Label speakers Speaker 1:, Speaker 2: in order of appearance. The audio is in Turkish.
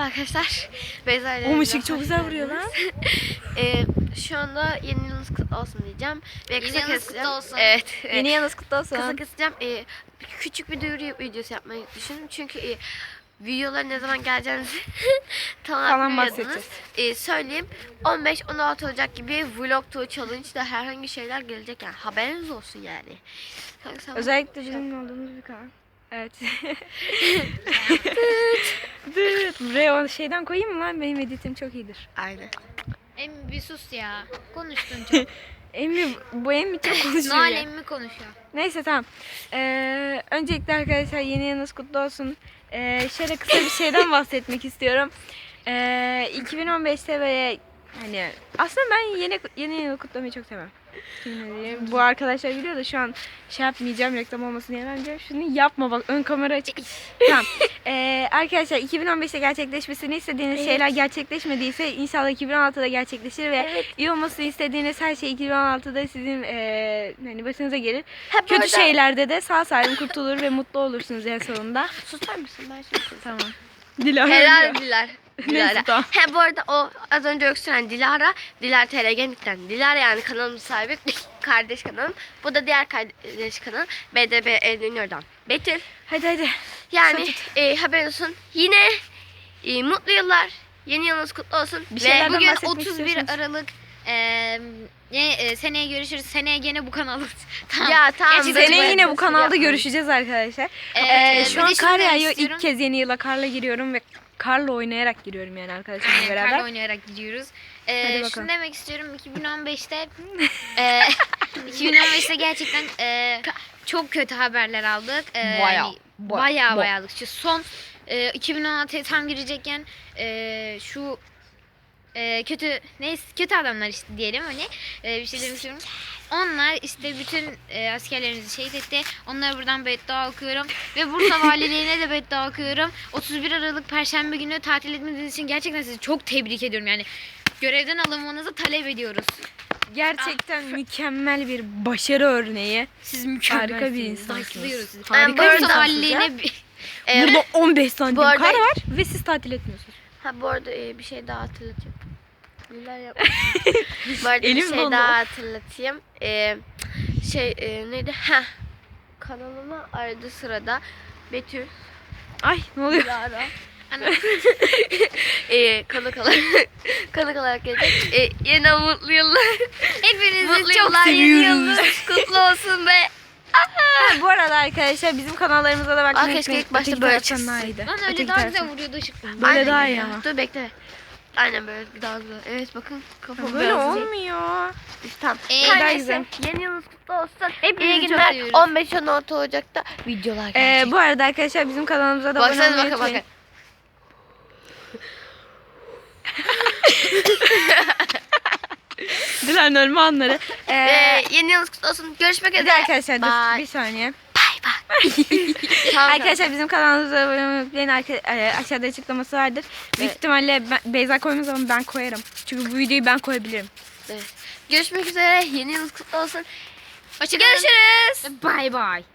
Speaker 1: Merhaba arkadaşlar. Beyza ile
Speaker 2: O ışık çok güzel vuruyor lan.
Speaker 1: Şu anda yeni yılınız kutlu olsun diyeceğim. Ve
Speaker 3: Yeni yılınız kutlu olsun.
Speaker 1: Evet.
Speaker 2: Yeni yılınız kutlu olsun.
Speaker 1: Kısa keseceğim. Küçük bir duyuru videosu yapmayı düşündüm. Çünkü videoların ne zaman geleceğinizi
Speaker 2: Falan
Speaker 1: tamam
Speaker 2: bahsedeceğiz.
Speaker 1: Söyleyeyim. 15-16 Ocak gibi vlog tour challenge'da herhangi şeyler gelecek yani. Haberiniz olsun yani.
Speaker 2: Özellikle bizim olduğumuz bir kanal. Evet. Buraya o şeyden koyayım mı lan? Benim editim çok iyidir.
Speaker 1: Aynen.
Speaker 3: Emmi bir sus ya. Konuştun çok.
Speaker 2: Emmi, bu Emmi çok konuşuyor
Speaker 3: Noel
Speaker 2: ya.
Speaker 3: emmi konuşuyor.
Speaker 2: Neyse tamam. Öncelikle arkadaşlar yeni yılınız kutlu olsun. Şöyle kısa bir şeyden bahsetmek istiyorum. 2015'te böyle hani aslında ben yeni yılı kutlamayı çok sevmem. Bu arkadaşlar biliyor da şu an şey yapmayacağım, reklam olmasın diye bence. Şunu yapma bak, ön kamera açık. Tamam. Arkadaşlar 2015'te gerçekleşmesini istediğiniz şeyler gerçekleşmediyse inşallah 2016'da gerçekleşir ve iyi olmasını istediğiniz her şey 2016'da sizin hani başınıza gelir. Kötü şeylerde de sağ salim kurtulur ve mutlu olursunuz en sonunda.
Speaker 1: Susar mısın? Ben şimdi
Speaker 2: Tamam. Dilara
Speaker 1: Helal
Speaker 2: ölüyor.
Speaker 1: Dilar.
Speaker 2: Neyse,
Speaker 1: Dilara.
Speaker 2: tamam.
Speaker 1: Bu arada o az önce öksüren Dilara TRG'den. Dilara yani kanalın sahibi kardeş kanalım. Bu da diğer kardeş kanalım BDB Eğleniyor'dan. Betül.
Speaker 2: Hadi.
Speaker 1: Yani haberin olsun. Yine mutlu yıllar. Yeni yılınız kutlu olsun.
Speaker 2: Bir
Speaker 1: Ve
Speaker 2: şeylerden
Speaker 3: Bugün
Speaker 2: bahsetmek
Speaker 3: 31
Speaker 2: istiyorsanız.
Speaker 3: Aralık. Seneye görüşürüz. Seneye gene bu kanalda. Tamam.
Speaker 1: Ya tamam.
Speaker 3: Gerçi
Speaker 1: böyle
Speaker 2: Seneye yine bu kanalda
Speaker 1: yapmayın.
Speaker 2: görüşeceğiz arkadaşlar.
Speaker 3: Bir
Speaker 2: Şu
Speaker 3: de
Speaker 2: an
Speaker 3: şunu
Speaker 2: kar
Speaker 3: demek
Speaker 2: yağıyor.
Speaker 3: istiyorum.
Speaker 2: İlk kez yeni yıla karla giriyorum ve karla oynayarak giriyorum yani arkadaşlarımla beraber.
Speaker 3: Karla oynayarak gidiyoruz.
Speaker 2: bakalım.
Speaker 3: Şunu demek istiyorum 2015'te 2015'te gerçekten çok kötü haberler aldık. Bayağı şu son 2016'ya tam girecekken şu kötü adamlar işte diyelim hani bir şey demek istiyorum. Onlar işte bütün askerlerimizi şehit etti. Onlara buradan beddua okuyorum. Ve Bursa Valiliğine de beddua okuyorum. 31 Aralık Perşembe günü tatil etmediğiniz için gerçekten sizi çok tebrik ediyorum. Yani görevden alınmanızı talep ediyoruz.
Speaker 2: Gerçekten mükemmel bir başarı örneği.
Speaker 3: Siz mükemmelsiniz.
Speaker 2: Harika bir insansınız.
Speaker 3: Saygılıyoruz sizi.
Speaker 2: Harika
Speaker 1: bu
Speaker 2: bir
Speaker 1: arada
Speaker 3: Bursa
Speaker 2: insansınız
Speaker 3: Valiliğine
Speaker 2: ya.
Speaker 3: bir...
Speaker 2: Burada 15 santim
Speaker 1: Bu arada-
Speaker 2: kar var ve siz tatil etmiyorsunuz.
Speaker 1: Bu arada bir şey daha hatırlatayım. Neler yapmış? Bu arada
Speaker 2: Elim
Speaker 1: bir şey
Speaker 2: dondu.
Speaker 1: daha hatırlatayım. Neydi? Kanalıma arada sırada Betül,
Speaker 2: Ay ne oluyor?
Speaker 1: Dilara konuk olarak gelecek. Yine mutlu yıllar.
Speaker 3: Hepinizi
Speaker 1: Mutlu
Speaker 3: çok
Speaker 1: yıllar, yeni
Speaker 2: seviyoruz.
Speaker 1: yılınız kutlu olsun be.
Speaker 2: Bu arada arkadaşlar bizim kanallarımıza da bakmayı
Speaker 1: Keşke
Speaker 2: unutmayın.
Speaker 1: ilk başta
Speaker 2: Öteki
Speaker 1: böyle
Speaker 2: taraftan
Speaker 1: çıksın.
Speaker 2: daha iyiydi.
Speaker 3: Lan öyle
Speaker 2: Öteki
Speaker 3: daha güzel
Speaker 2: taraftan.
Speaker 3: vuruyordu ışık.
Speaker 2: Böyle
Speaker 1: Aynen
Speaker 2: daha
Speaker 1: öyle.
Speaker 2: iyi ama.
Speaker 1: Dur bekle. Aynen böyle daha güzel. Evet bakın kafam
Speaker 2: Böyle
Speaker 1: biraz
Speaker 2: olmuyor.
Speaker 1: Tamam.
Speaker 3: Daha
Speaker 1: Her
Speaker 2: güzel.
Speaker 1: neyse, yeni yılınız kutlu olsun.
Speaker 3: Hepinizi
Speaker 1: İyi
Speaker 3: çok
Speaker 1: günler.
Speaker 3: seviyoruz.
Speaker 1: 15-16 Ocak'ta videolar gelecek.
Speaker 2: Bu arada arkadaşlar bizim kanalımıza da abone
Speaker 1: Baksanıza
Speaker 2: olmayı
Speaker 1: bakın
Speaker 2: unutmayın.
Speaker 1: bakın.
Speaker 2: Dilan ölme anları.
Speaker 1: Yeni yılınız kutlu olsun. Görüşmek
Speaker 2: Bir
Speaker 1: üzere.
Speaker 2: de arkadaşlar dur
Speaker 1: Bye.
Speaker 2: bir saniye.
Speaker 1: Tamam,
Speaker 2: Arkadaşlar bizim kanalımıza abone olmayı unutmayın. Aşağıda açıklaması vardır. Büyük
Speaker 1: Evet.
Speaker 2: ihtimalle Beyza koymaz ama ben koyarım. Çünkü bu videoyu ben koyabilirim.
Speaker 1: Evet. Görüşmek üzere. Yeni yılınız kutlu olsun.
Speaker 3: Hoşçakalın.
Speaker 1: Görüşürüz.
Speaker 3: Bye bye.